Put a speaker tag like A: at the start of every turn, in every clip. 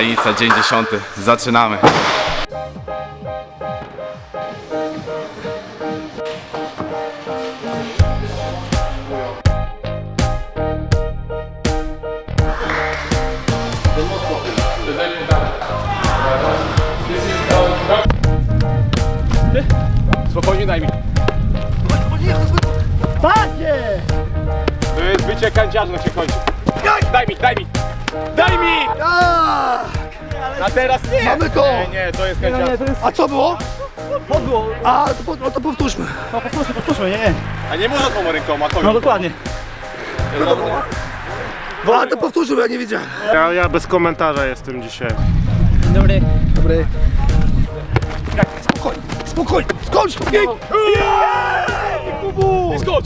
A: Tajnica, dzień 10. Zaczynamy.
B: Spokojnie, daj mi. To jest bycie kanciarzem się kończy. Daj mi! Daj mi! A teraz nie!
C: Mamy go!
B: Nie, to jest kanciarz.
C: A co było?
D: Podło.
C: A, no to powtórzmy.
D: No powtórzmy, nie.
B: A nie można tą ręką, a to
D: No dokładnie.
C: A, to powtórzymy, ja nie wiedziałem.
E: Ja bez komentarza jestem dzisiaj.
D: Dobry.
C: Dobry. Spokojnie, skocz tu!
B: skocz!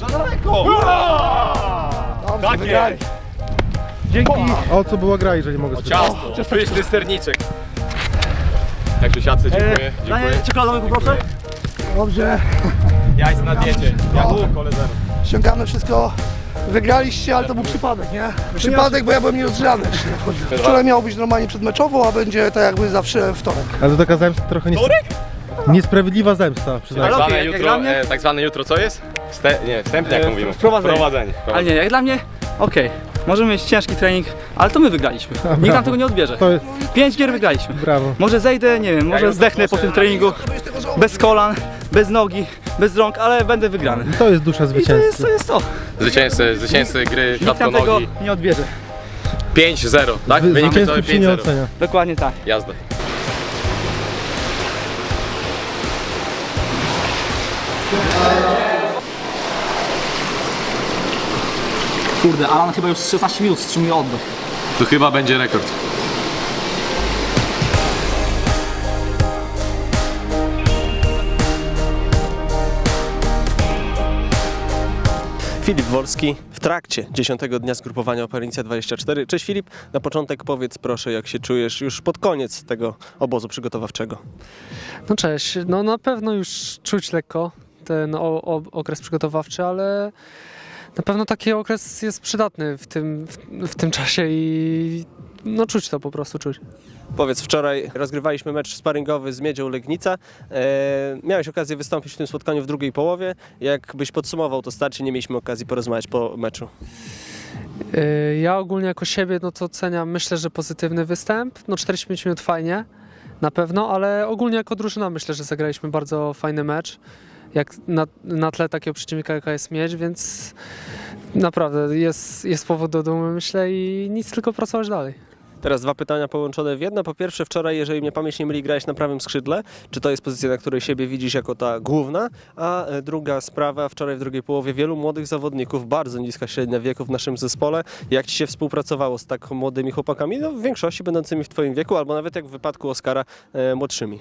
C: Tak jest!
D: Dzięki.
E: A o co była gra, jeżeli mogę spytać?
B: Ciasto, pyszny serniczek. Jak tu siatce, dziękuję.
D: Danie czekoladowy poproszę.
C: Dobrze,
B: Jajc na diecie. Jak u koledzy.
C: ściągamy wszystko. Wygraliście, ale to był przypadek, nie? Przypadek, bo ja byłem nierozgrzany. Wczoraj miało być normalnie przedmeczowo, a będzie tak jakby zawsze wtorek.
E: Ale to taka zemsta trochę niesprawiedliwa zemsta, przyznaję.
B: Tak
D: Ale
B: zwane
D: okej, jak
B: jutro,
D: dla mnie-
B: tak zwane jutro co jest? Wstępnie jak mówimy.
D: Wprowadzenie. Ale nie, jak dla mnie, okej. Możemy mieć ciężki trening, ale to my wygraliśmy. Nikt nam tego nie odbierze.
E: To jest
D: 5 gier wygraliśmy.
E: brawo.
D: Może zejdę, nie wiem, może
B: jutro
D: zdechnę po tym treningu. Bez kolan, bez nogi, bez rąk, ale będę wygrany.
E: To jest dusza
D: I to jest
E: zwycięzcy.
D: to.
B: Zwycięzcy gry
D: Nikt nam tego
B: klatkonogi.
D: nie odbierze.
B: 5-0, tak? Wynik cały
E: Zwycięzców się nie
B: 5-0.
E: ocenia.
D: Dokładnie tak.
B: Jazda.
D: Kurde, Alan chyba już 16 minut wstrzymuje oddech.
B: Tu chyba będzie rekord.
F: Filip Wolski w trakcie 10. dnia zgrupowania Operacja 24. Cześć Filip, na początek powiedz proszę, jak się czujesz już pod koniec tego obozu przygotowawczego.
G: No cześć, no na pewno już czuć lekko ten okres przygotowawczy, ale na pewno taki okres jest przydatny w tym czasie i no czuć to po prostu, czuć.
F: Powiedz, wczoraj rozgrywaliśmy mecz sparingowy z Miedzią Legnica. Miałeś okazję wystąpić w tym spotkaniu w drugiej połowie. Jakbyś podsumował to starcie, nie mieliśmy okazji porozmawiać po meczu.
G: Ja ogólnie jako siebie no to oceniam, myślę, że pozytywny występ. No 45 minut fajnie, na pewno, ale ogólnie jako drużyna myślę, że zagraliśmy bardzo fajny mecz. Jak na tle takiego przeciwnika, jaka jest Miedź, więc naprawdę jest powód do dumy, myślę, i nic, tylko pracować dalej.
F: Teraz dwa pytania połączone w jedno. Po pierwsze, wczoraj, jeżeli mnie pamięć nie myli, grałeś na prawym skrzydle. Czy to jest pozycja, na której siebie widzisz jako ta główna? A druga sprawa, wczoraj w drugiej połowie wielu młodych zawodników, bardzo niska średnia wieku w naszym zespole. Jak Ci się współpracowało z tak młodymi chłopakami? No, w większości będącymi w Twoim wieku, albo nawet jak w wypadku Oskara, młodszymi.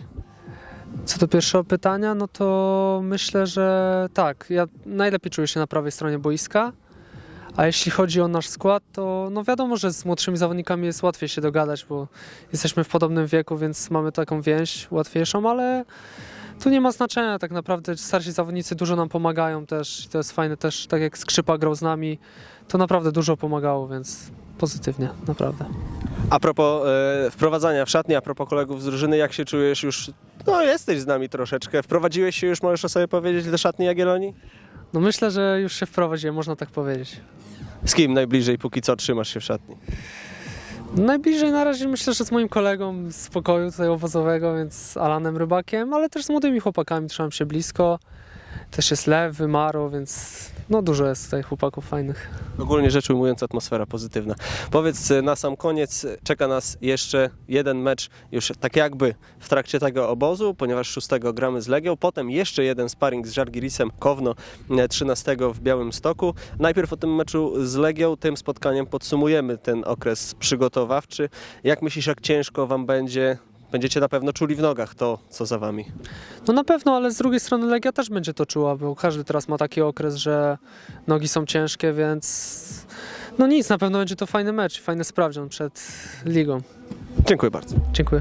G: Co do pierwszego pytania, no to myślę, że tak, ja najlepiej czuję się na prawej stronie boiska, a jeśli chodzi o nasz skład, to no wiadomo, że z młodszymi zawodnikami jest łatwiej się dogadać, bo jesteśmy w podobnym wieku, więc mamy taką więź łatwiejszą, ale tu nie ma znaczenia tak naprawdę, starsi zawodnicy dużo nam pomagają też i to jest fajne też, tak jak Skrzypa grał z nami, to naprawdę dużo pomagało, więc pozytywnie, naprawdę.
F: A propos wprowadzania w szatni, a propos kolegów z drużyny, jak się czujesz już? No jesteś z nami troszeczkę. Wprowadziłeś się już, możesz o sobie powiedzieć, do szatni Jagiellonii?
G: No myślę, że już się wprowadziłem, można tak powiedzieć.
F: Z kim najbliżej póki co trzymasz się w szatni?
G: Najbliżej na razie myślę, że z moim kolegą z pokoju tutaj obozowego, więc z Alanem Rybakiem, ale też z młodymi chłopakami trzymam się blisko. Też jest Lewy, Maro, więc no dużo jest tutaj chłopaków fajnych.
F: Ogólnie rzecz ujmując, atmosfera pozytywna. Powiedz, na sam koniec czeka nas jeszcze jeden mecz już tak jakby w trakcie tego obozu, ponieważ 6 gramy z Legią, potem jeszcze jeden sparring z Żalgirisem Kowno 13 w Białymstoku. Najpierw o tym meczu z Legią, tym spotkaniem podsumujemy ten okres przygotowawczy. Jak myślisz, jak ciężko Wam będzie? Będziecie na pewno czuli w nogach to, co za Wami.
G: No na pewno, ale z drugiej strony Legia też będzie to czuła, bo każdy teraz ma taki okres, że nogi są ciężkie, więc no nic, na pewno będzie to fajny mecz, fajny sprawdzian przed ligą.
F: Dziękuję bardzo.
G: Dziękuję.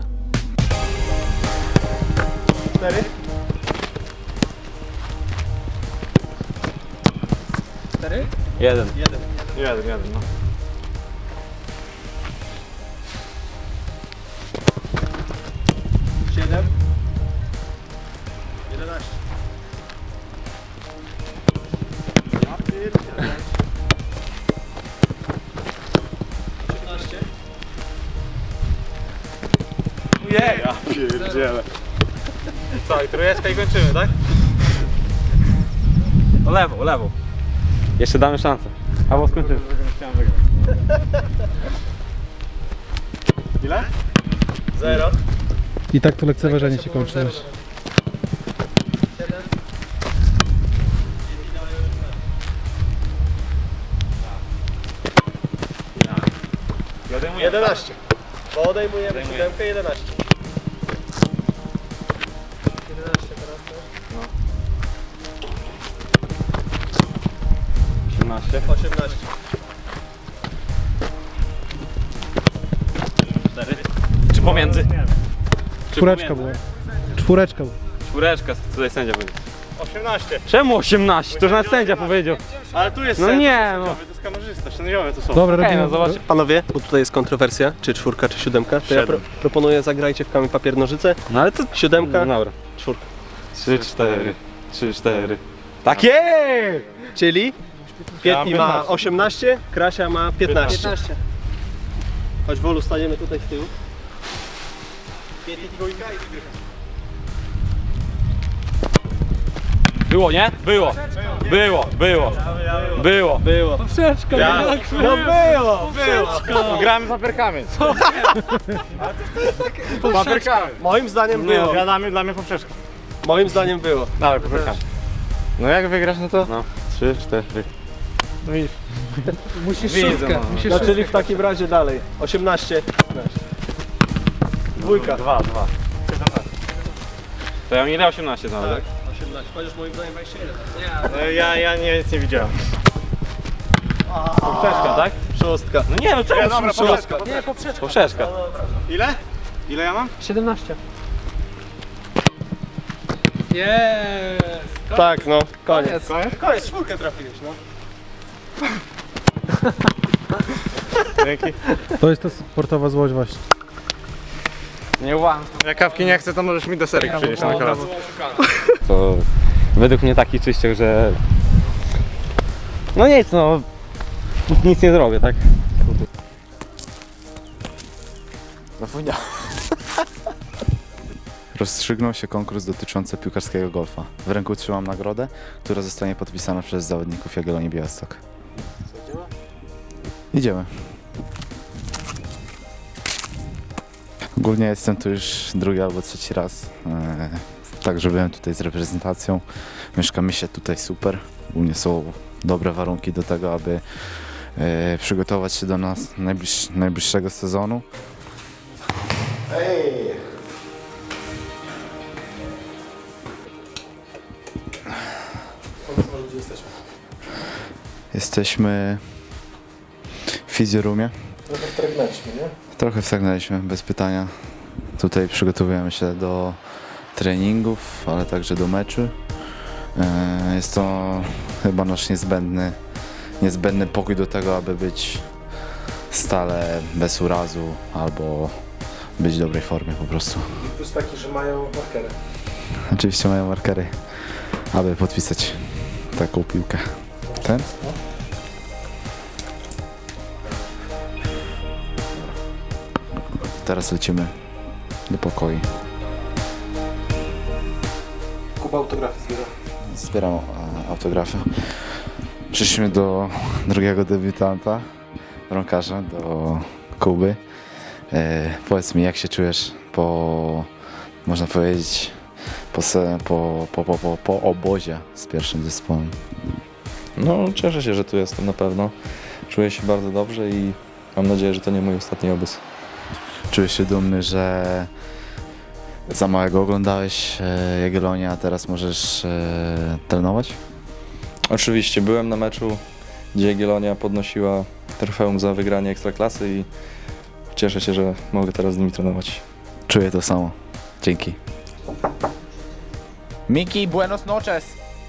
B: 4.
D: 4?
B: 1.
E: Jeden, no.
F: 11.
B: Ja pierdzielę. Co, i trójeczka i kończymy, tak?
D: No lewo, lewo. Jeszcze damy szansę. Albo skończymy.
B: Chciałem wygrać. Ile?
F: 0.
E: I tak to lekceważenie się kończy.
B: Odejmuję.
F: 11. Bo odejmujemy 7, 11. 11 teraz też.
B: 18.
F: 18.
B: 4. Czy pomiędzy?
E: Czwóreczka była. Czwóreczka była.
D: Czwóreczka, tutaj sędzia będzie.
B: 18.
D: Czemu 18? To już nawet sędzia powiedział.
B: Ale tu jest
D: No
B: sędzia,
D: nie,
B: to
D: no.
B: sędziowy, to jest kamerzysta, sędziowie to są.
E: Dobra,
D: Okej,
E: robimy.
D: no zobacz.
F: Panowie, bo tutaj jest kontrowersja, czy 4, czy 7. To ja
B: 7.
F: proponuję zagrajcie w kamień papier nożyce.
D: No ale to...
F: 7,
D: No dobra.
F: 4.
D: 3, 4. 3, 4. Takie!
F: Czyli
B: Ja mam
F: Pietni ma
B: 15.
F: 18, Krasia ma 15. Chodź Wolu, staniemy tutaj z tyłu. Pietni dwójka i wygrywa.
D: Było, nie? Było. Było, było. Było.
F: Było.
G: Poprzeczka,
F: No było!
B: No, gramy papierkami. Papierkami.
F: Moim zdaniem było.
B: Gadamy dla mnie poprzeczka.
F: Moim zdaniem było.
B: Dawaj, papierkami. No jak wygrasz, no to? No. 3, 4.
G: Musisz
B: Widzę,
G: szóstkę.
B: no.
G: Musisz
F: No
G: szóstkę.
F: czyli w takim razie dalej. 18, 15. Dwójka.
B: 2.
D: To ja ile 18 znam, tak?
F: 18. Chociaż moim zdaniem 21.
B: Ja nic nie widziałem.
D: Poprzeczka, tak?
F: Szóstka.
D: No nie, no czemu
B: Dobra,
D: szóstka?
B: poprzeczka.
G: Nie, poprzeczka.
D: Poprzeczka.
B: Ile? Ile ja mam?
G: 17. Jest!
F: Tak, no. Koniec.
B: Koniec, 4 trafiłeś, no. Dzięki.
E: To jest ta sportowa złość właśnie.
D: Nie łam.
B: Jak kawki nie chcę, to możesz mi deserek przynieść na kolację.
D: To według mnie taki czyściek, że... No nic, no... Nic nie zrobię, tak?
A: Rozstrzygnął się konkurs dotyczący piłkarskiego golfa. W ręku trzymam nagrodę, która zostanie podpisana przez zawodników Jagiellonii Białystok. Idziemy. Ogólnie jestem tu już drugi albo trzeci raz. Także byłem tutaj z reprezentacją. Mieszka mi się tutaj super. Ogólnie są dobre warunki do tego, aby przygotować się do nas najbliższego sezonu. Jesteśmy w fizjorumie.
F: Trochę wtrągnęliśmy, nie?
A: Trochę wstagnęliśmy, bez pytania. Tutaj przygotowujemy się do treningów, ale także do meczu. Jest to chyba nasz niezbędny pokój do tego, aby być stale bez urazu albo być w dobrej formie po prostu.
F: Plus taki, że mają markery.
A: Oczywiście mają markery, aby podpisać taką piłkę. Ten? Teraz lecimy do pokoi.
F: Kuba autografy zbiera.
A: Zbieram autografy. Przyszliśmy do drugiego debiutanta, bramkarza, do Kuby. Powiedz mi, jak się czujesz można powiedzieć, po obozie z pierwszym zespołem?
H: No, cieszę się, że tu jestem na pewno. Czuję się bardzo dobrze i mam nadzieję, że to nie mój ostatni obóz.
A: Czujesz się dumny, że za małego oglądałeś Jagiellonię, a teraz możesz trenować?
H: Oczywiście byłem na meczu, gdzie Jagiellonia podnosiła trofeum za wygranie Ekstraklasy i cieszę się, że mogę teraz z nimi trenować.
A: Czuję to samo. Dzięki.
I: Miki, buenos noches.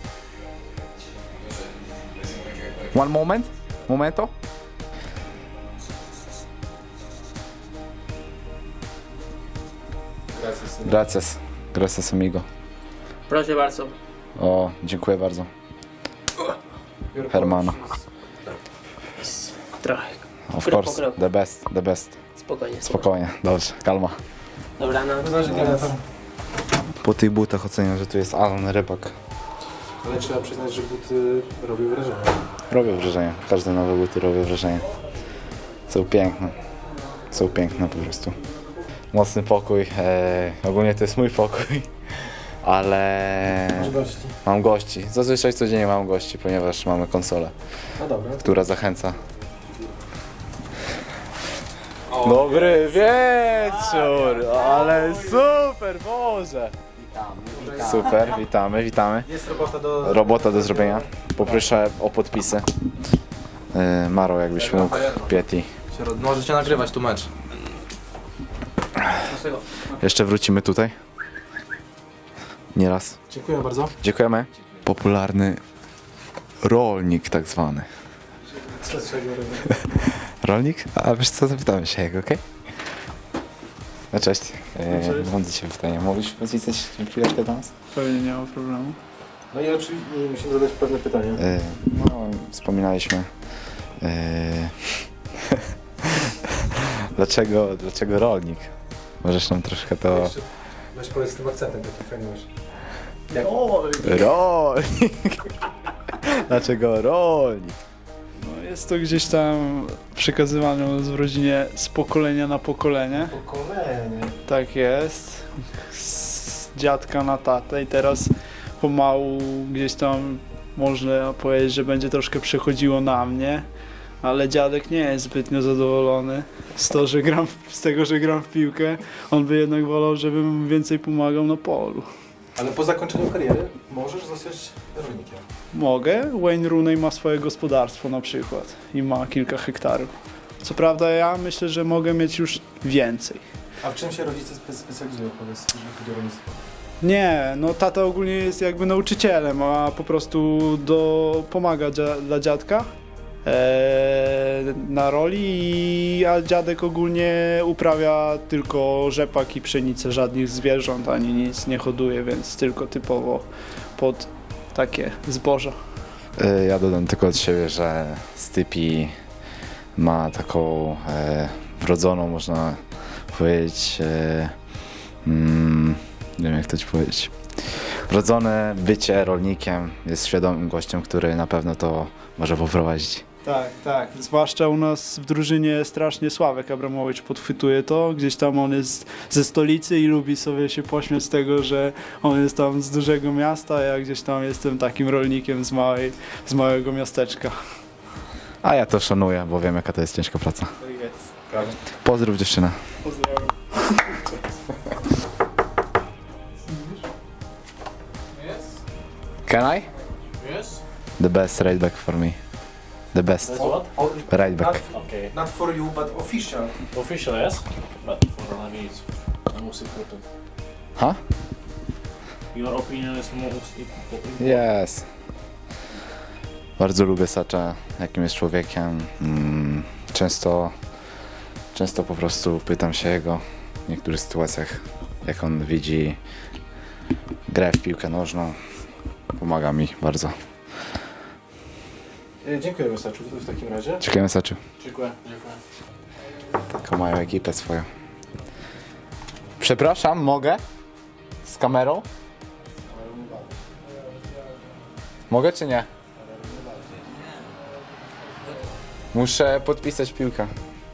I: One moment. Momento.
A: Gracias. Gracias amigo.
F: Proszę bardzo.
A: O, dziękuję bardzo. Hermano.
F: Trochę.
A: Of
F: Krok po
A: course,
F: kroku.
A: the best, the best.
F: Spokojnie.
A: Spokojnie, dobrze, kalma.
F: Dobra, no.
A: Po tych butach oceniam, że tu jest Alan Rybak.
E: Ale trzeba przyznać, że buty robią wrażenie.
A: Robią wrażenie, każde nowe buty robią wrażenie. Są piękne. Są piękne po prostu. Mocny pokój, ogólnie to jest mój pokój, ale mam gości. Zazwyczaj codziennie mam gości, ponieważ mamy konsolę, która zachęca. Dobry wieczór, ale super, Boże! Super, witamy.
E: Jest robota
A: Robota do zrobienia. Poproszę o podpisy. Maro, jakbyś mógł, Pieti.
H: Możecie nagrywać tu mecz.
A: Jeszcze wrócimy tutaj. Nieraz.
E: Dziękuję bardzo.
A: Dziękujemy. Popularny rolnik tak zwany.
E: Co trzeba robić?
A: Rolnik? A wiesz co, zapytamy się jego, okej? No cześć. Mam do Ciebie pytanie. Mógłbyś podpisać chwileczkę do nas?
E: Pewnie nie ma problemu. No i oczywiście musimy zadać pewne pytanie.
A: No, wspominaliśmy. Dlaczego rolnik? Możesz nam troszkę to...
E: Weź powiedz z tym akcentem, taki fajny masz.
A: Rolnik! Dlaczego rolnik?
J: No, jest to gdzieś tam przekazywane w rodzinie z pokolenia na pokolenie.
E: Pokolenie.
J: Tak jest. Z dziadka na tatę i teraz pomału gdzieś tam można powiedzieć, że będzie troszkę przechodziło na mnie. Ale dziadek nie jest zbytnio zadowolony z tego, że gram w piłkę. On by jednak wolał, żebym więcej pomagał na polu.
E: Ale po zakończeniu kariery możesz zostać rolnikiem.
J: Mogę. Wayne Rooney ma swoje gospodarstwo na przykład i ma kilka hektarów. Co prawda ja myślę, że mogę mieć już więcej.
E: A w czym się rodzice specjalizują, powiedz, jeżeli chodzi o rolnictwo?
J: Nie, no tata ogólnie jest jakby nauczycielem, a po prostu pomaga dla dziadka na roli, a dziadek ogólnie uprawia tylko rzepak i pszenicę, żadnych zwierząt ani nic nie hoduje, więc tylko typowo pod takie zboża.
A: Ja dodam tylko od siebie, że Stypi ma taką wrodzoną, można powiedzieć, nie wiem jak to ci powiedzieć, wrodzone bycie rolnikiem, jest świadomym gościem, który na pewno to może poprowadzić.
J: Tak. Zwłaszcza u nas w drużynie strasznie Sławek Abramowicz podchwytuje to. Gdzieś tam on jest ze stolicy i lubi sobie się pośmiać z tego, że on jest tam z dużego miasta, a ja gdzieś tam jestem takim rolnikiem z małego miasteczka.
A: A ja to szanuję, bo wiem jaka to jest ciężka praca. Pozdrów dziewczynę.
J: Pozdrawiam.
A: Can I?
B: Yes?
A: The best right back for me. The best right back.
B: Okay.
E: Not for you, but official.
B: Official, yes? But for Navi it's the most important.
A: Huh?
B: Your opinion is most important.
A: Yes. Bardzo lubię Sacza, jakim jest człowiekiem. Często po prostu pytam się jego w niektórych sytuacjach, jak on widzi grę w piłkę nożną. Pomaga mi bardzo.
E: Dziękujemy, Saczu, w takim razie.
A: Dziękujemy Saczu.
B: Dziękuję.
A: Taką mają ekipę swoją. Przepraszam, mogę? Z kamerą? Mogę czy nie? Muszę podpisać piłkę.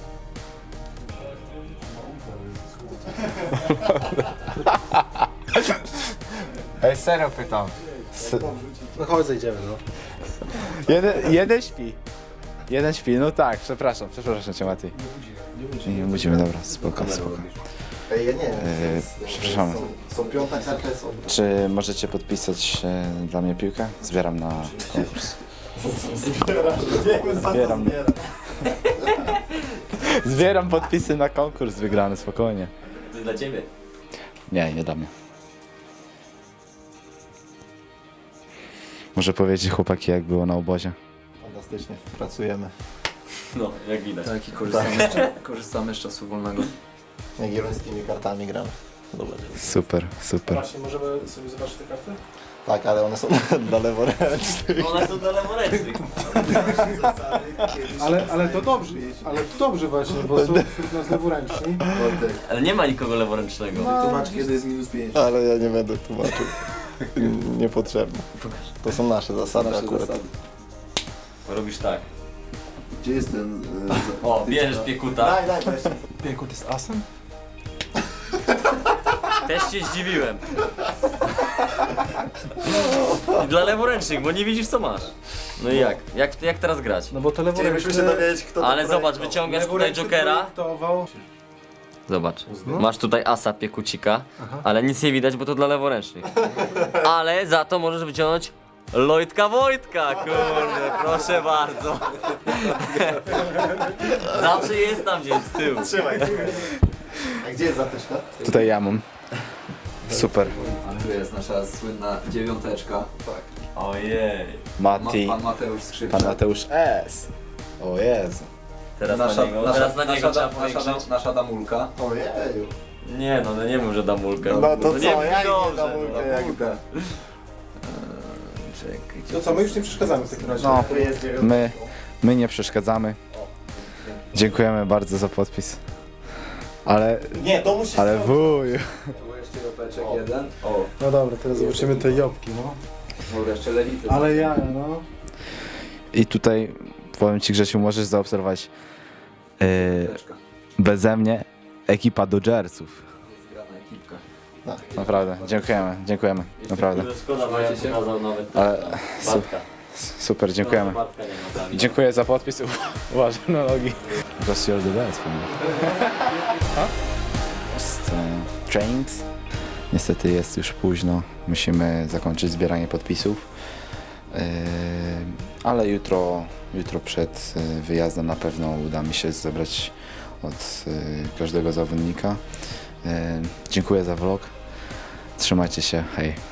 A: Ej, serio pytam.
E: No chodź, zejdziemy, no.
A: Jeden śpi, no tak, przepraszam cię Mati. Nie budzimy, dobra, spoko.
C: Ej, ja nie
A: Przepraszamy.
C: Są piąta karta, jest
A: Czy możecie podpisać dla mnie piłkę? Zbieram na konkurs. Zbieram podpisy na konkurs wygrany, spokojnie.
D: To jest dla ciebie.
A: Nie dla mnie. Może powiedzieć chłopaki, jak było na obozie?
C: Fantastycznie, pracujemy.
D: No, jak widać.
H: Tak, i korzystamy z czasu wolnego.
C: Jagiellońskimi kartami gramy.
F: numer.
A: Super, super.
E: Właśnie, możemy sobie zobaczyć te karty?
K: Tak, ale one są dla leworęcznych.
D: One są dla leworęcznych.
E: Ale to dobrze właśnie, bo są wśród nas leworęczni.
D: Ale nie ma nikogo leworęcznego.
K: Tłumacz, kiedy jest -5. Ale ja nie będę tłumaczył. Niepotrzebne. To są nasze zasady akurat.
D: Robisz tak.
K: Gdzie jest ten...
D: O, bierzesz piekuta.
K: Daj, weź.
E: Piekut jest asem?
D: Też się zdziwiłem. I dla leworęcznych, bo nie widzisz co masz. No i jak? Jak teraz grać?
E: No bo to
K: Chcielibyśmy się dowiedzieć, kto to
D: Ale zobacz,
K: projektował.
D: wyciągasz tutaj jokera.
E: Projektował.
D: Zobacz, masz tutaj asa piekucika, ale nic nie widać, bo to dla leworęcznych. Ale za to możesz wyciągnąć Lloydka Wojtka, kurde, proszę bardzo. Zawsze jest tam gdzieś z tyłu.
K: Trzymaj. A gdzie jest zatyczka?
A: Tutaj ja mam. Super.
K: Tu jest nasza słynna 9. Tak.
D: Ojej.
A: Mati,
K: Pan Mateusz Skrzypczak.
A: pan Mateusz S. O Jezu.
D: Teraz na niego trzeba powiększyć.
K: Nasza damulka. Ojeju.
D: Nie no, nie mów, że damulkę.
K: No to
D: nie
K: co,
D: brzmi
K: jak nie
D: dobrze,
K: damulkę, jak da?
E: To co, my już nie przeszkadzamy w takim razie.
A: No,
K: Tu jest 9.
A: my nie przeszkadzamy. Dziękujemy bardzo za podpis. Ale,
K: Nie, to musi
A: ale wuj.
K: Tu jeszcze jopeczek jeden.
E: No dobra, teraz zobaczymy te jobki, no.
K: Dobra, jeszcze lewity.
E: Ale ja, no.
A: I tutaj powiem ci, Grzesiu, możesz zaobserwować beze mnie ekipa Dodgersów.
K: Zgrana ekipka.
A: Naprawdę, dziękujemy, naprawdę.
D: Szkoda, bo ja pokazał nawet
A: Ale super, dziękujemy.
D: Bartka nie ma tam.
A: Dziękuję za podpis. Uważaj na nogi. Because you're the best for me. Trains. Niestety jest już późno. Musimy zakończyć zbieranie podpisów. Ale jutro przed wyjazdem na pewno uda mi się zebrać od każdego zawodnika. Dziękuję za vlog. Trzymajcie się. Hej.